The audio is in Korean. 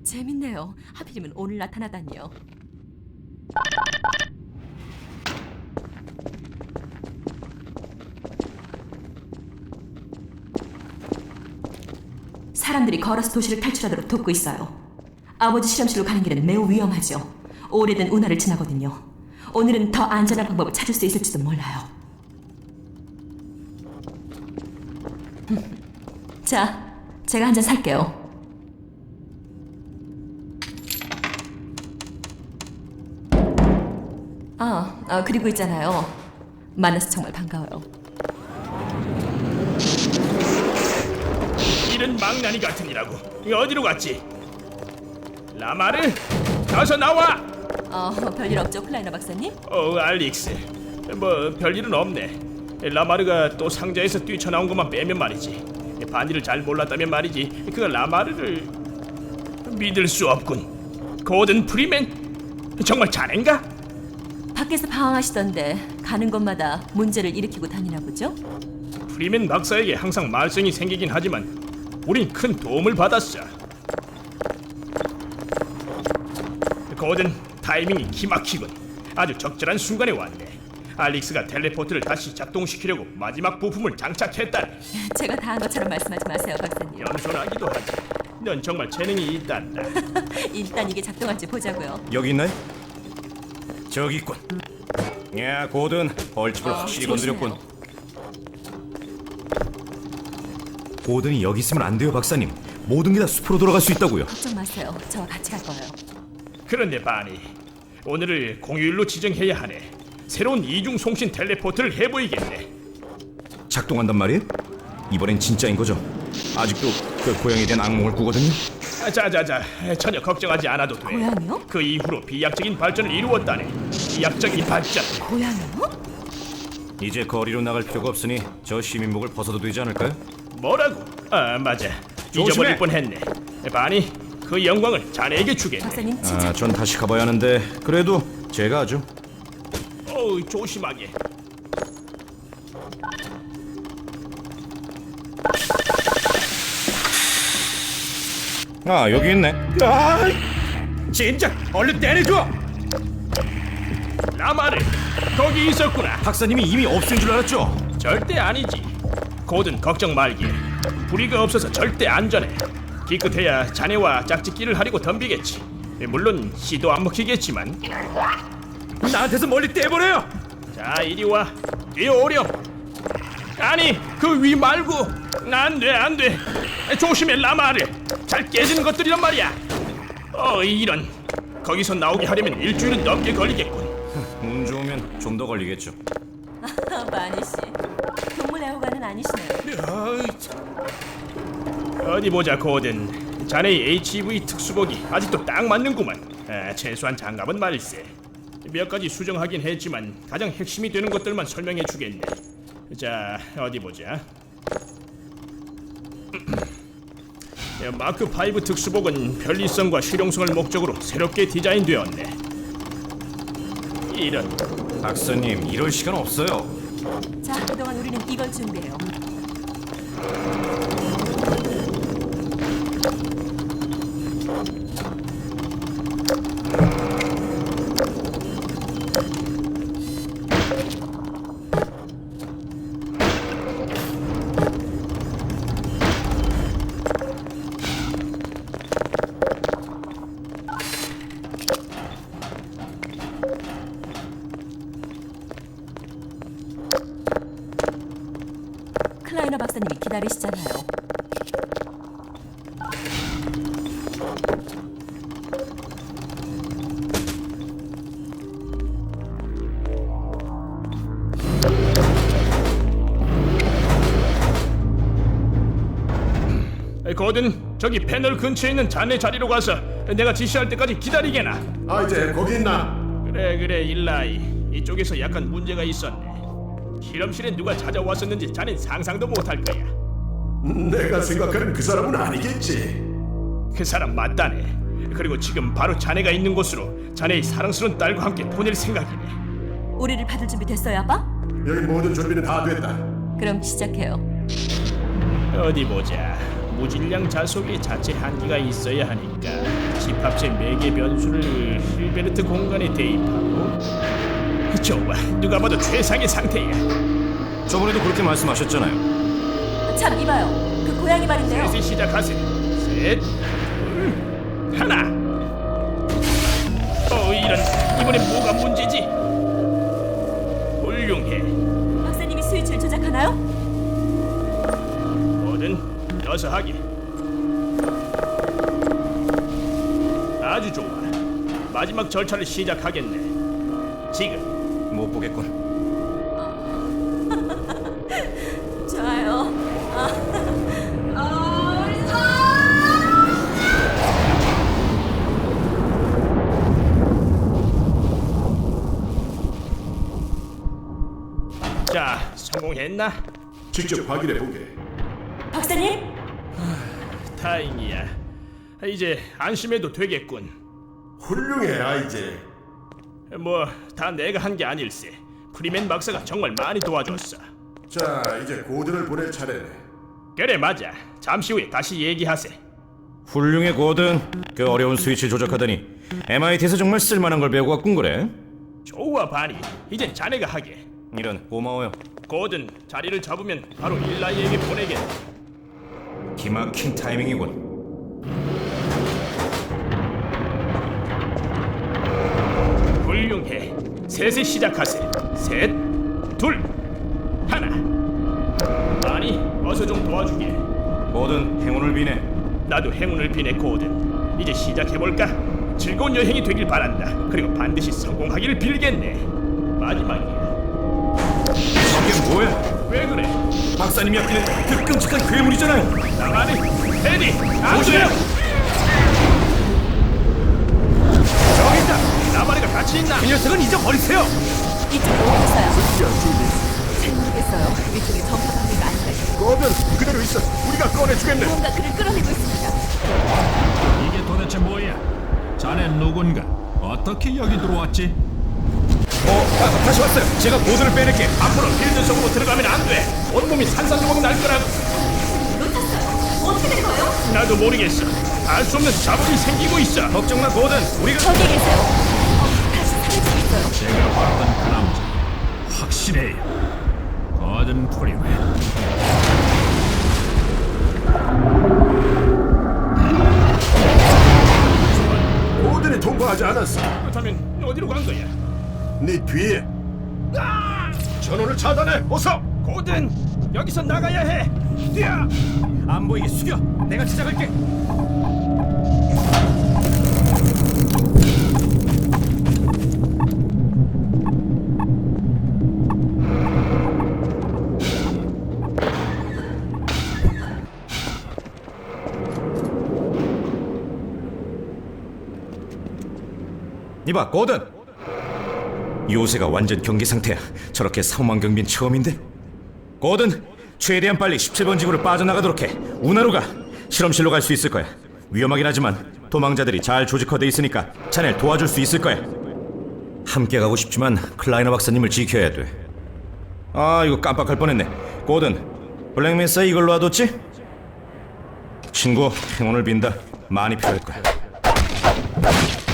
재밌네요. 하필이면 오늘 나타나다니요. 사람들이 걸어서 도시를 탈출하도록 돕고 있어요. 아버지 실험실로 가는 길은 매우 위험하죠. 오래된 운하를 지나거든요. 오늘은 더 안전한 방법을 찾을 수 있을지도 몰라요. 자, 제가 한 잔 살게요. 그리고 있잖아요. 만나서 정말 반가워요. 이런 망나니 같으니라고. 어디로 갔지? 라마르, 어서 나와. 별일 없죠, 클라이너 박사님? 알릭스. 뭐 별일은 없네. 라마르가 또 상자에서 뛰쳐나온 것만 빼면 말이지. 반일을 잘 몰랐다면 말이지. 그 라마르를 믿을 수 없군. 고든 프리맨, 정말 자넨가? 밖에서 방황하시던데 가는 곳마다 문제를 일으키고 다니나 보죠? 프리맨 박사에게 항상 말썽이 생기긴 하지만 우린 큰 도움을 받았어. 고든, 타이밍이 기막히군. 아주 적절한 순간에 왔네. 알릭스가 텔레포트를 다시 작동시키려고 마지막 부품을 장착했다네. 제가 다 한 것처럼 말씀하지 마세요, 박사님. 연소하기도 하지. 넌 정말 재능이 있단다. 일단 이게 작동할지 보자고요. 여기 있나요? 저기 있군. 야, 고든 벌집을 확실히 건드렸군. 고든이 여기 있으면 안 돼요, 박사님. 모든 게 다 숲으로 돌아갈 수 있다고요. 걱정 마세요. 저와 같이 갈 거예요. 그런데 바니, 오늘을 공휴일로 지정해야 하네. 새로운 이중 송신 텔레포트를 해보이겠네. 작동한단 말이에요? 이번엔 진짜인 거죠? 아직도 그 고양이에 대한 악몽을 꾸거든요. 자자자, 전혀 걱정하지 않아도 돼. 고양이요? 그 이후로 비약적인 발전을 이루었다네. 비약적인 발전. 고양이요? 이제 거리로 나갈 필요가 없으니 저 시민복을 벗어도 되지 않을까요? 뭐라고? 맞아. 조심해. 잊어버릴 뻔했네. 바니, 그 영광을 자네에게 주겠네. 박사님 진짜 전 다시 가봐야 하는데 그래도 제가 하죠. 조심하게. 여기 있네. 진짜 얼른 때려줘. 라마르, 거기 있었구나. 박사님이 이미 없앤 줄 알았죠? 절대 아니지. 고든 걱정 말게. 불의가 없어서 절대 안전해. 기껏해야 자네와 짝짓기를 하려고 덤비겠지. 물론 시도 안 먹히겠지만. 나한테서 멀리 떼버려요. 자, 이리 와. 뛰어오렴. 아니, 그 위 말고. 안 돼. 조심해, 라마르. 잘 깨지는 것들이란 말이야. 이런. 거기서 나오게 하려면 일주일은 넘게 걸리겠군. 운 좋으면 좀 더 걸리겠죠. 마니 씨. 동물 애호가는 아니시네요. 어디 보자, 고든. 자네의 HV 특수복이 아직도 딱 맞는구만. 최소한 장갑은 말세. 몇 가지 수정하긴 했지만 가장 핵심이 되는 것들만 설명해 주겠네. 자, 어디 보자. 마크 5 특수복은 편리성과 실용성을 목적으로 새롭게 디자인되었네. 이런. 박사님, 이럴 시간 없어요. 자, 그동안 우리는 이걸 준비해요. 클라이너 박사님이 기다리시잖아요. 고든, 저기 패널 근처에 있는 자네 자리로 가서 내가 지시할 때까지 기다리게나. 이제 거기 있나? 그래, 일라이. 이쪽에서 약간 문제가 있었네. 실험실에 누가 찾아왔었는지 자넨 상상도 못할 거야. 내가 생각하는 그 사람은 아니겠지. 그 사람 맞다네. 그리고 지금 바로 자네가 있는 곳으로 자네의 사랑스러운 딸과 함께 보낼 생각이네. 우리를 받을 준비 됐어요, 아빠? 여기 모든 준비는 다 됐다. 그럼 시작해요. 어디 보자. 무질량 자속에 자체 한계가 있어야 하니까 집합체 매개 변수를 힐베르트 공간에 대입하고. 좋아, 누가 봐도 최상의 상태야. 저번에도 그렇게 말씀하셨잖아요. 참 이봐요. 그 고양이 말인데요. 셋이 시작하세요. 셋, 둘, 하나. 이런, 이번엔 뭐가 문제지? 훌륭해. 박사님이 스위치를 조작하나요? 뭐든 어서 하게. 아주 좋아. 마지막 절차를 시작하겠네. 지금. 못 보겠군. 좋아요. 자, 성공했나? 직접 확인해 보게. 박사님? 다행이야. 이제 안심해도 되겠군. 훌륭해, 아이제. 뭐 다 내가 한 게 아닐세. 프리맨 박사가 정말 많이 도와줬어. 자, 이제 고든을 보낼 차례네. 그래 맞아. 잠시 후에 다시 얘기하세. 훌륭해 고든. 그 어려운 스위치 조작하다니 MIT에서 정말 쓸만한 걸 배우고 왔군 그래. 좋아 바니. 이젠 자네가 하게. 이런 고마워요. 고든 자리를 잡으면 바로 일라이에게 보내겠네. 기막힌 타이밍이군. 훌륭해. 셋에 시작하세. 셋, 둘, 하나. 아니, 어서 좀 도와주게. 고든 행운을 비네. 나도 행운을 비네 고든. 이제 시작해볼까? 즐거운 여행이 되길 바란다. 그리고 반드시 성공하기를 빌겠네. 마지막이야. 저게 뭐야? 왜 그래? 박사님이 아끼는 그 끔찍한 괴물이잖아요. 나만이 테디 안돼요. 저기 있다. 나만이가 같이 있나? 이 녀석은 잊어버리세요. 이쪽으로 오겠어요. 잘 모르겠어요. 이쪽에 전파 방해가 아닌가 싶어요. 꺼면 그대로 있어. 우리가 꺼내주겠네. 무언가 그를 끌어내고 있습니다. 이게 도대체 뭐야? 자네 누군가? 어떻게 여기 들어왔지? 다시 왔어요. 제가 고든을 빼낼게. 앞으로 필드 속으로 들어가면 안 돼. 온몸이 산산조각 날 거라고. 놓쳤어요. 어떻게 된 거예요? 나도 모르겠어. 알 수 없는 자본이 생기고 있어. 걱정 마 고든. 우리가 저기 계세요. 다시 살려주고 있어요. 제가 봤던 그 남자 확실해요. 거든 프리맨. 고든이 통과하지 않았어. 그렇다면 어디로 간 거야? 네 뒤에. 전원을 차단해. 어서. 고든 여기서 나가야 해. 뛰어. 안 보이게 숙여. 내가 시작할게. 이봐 고든. 요새가 완전 경계 상태야. 저렇게 사망 경비는 처음인데. 고든, 최대한 빨리 17번 지구를 빠져나가도록 해. 운하로 가. 실험실로 갈 수 있을 거야. 위험하긴 하지만 도망자들이 잘 조직화돼 있으니까 자네를 도와줄 수 있을 거야. 함께 가고 싶지만 클라이너 박사님을 지켜야 돼. 아, 이거 깜빡할 뻔했네. 고든, 블랙메사 이걸로 놔뒀지? 친구, 행운을 빈다. 많이 필요할 거야.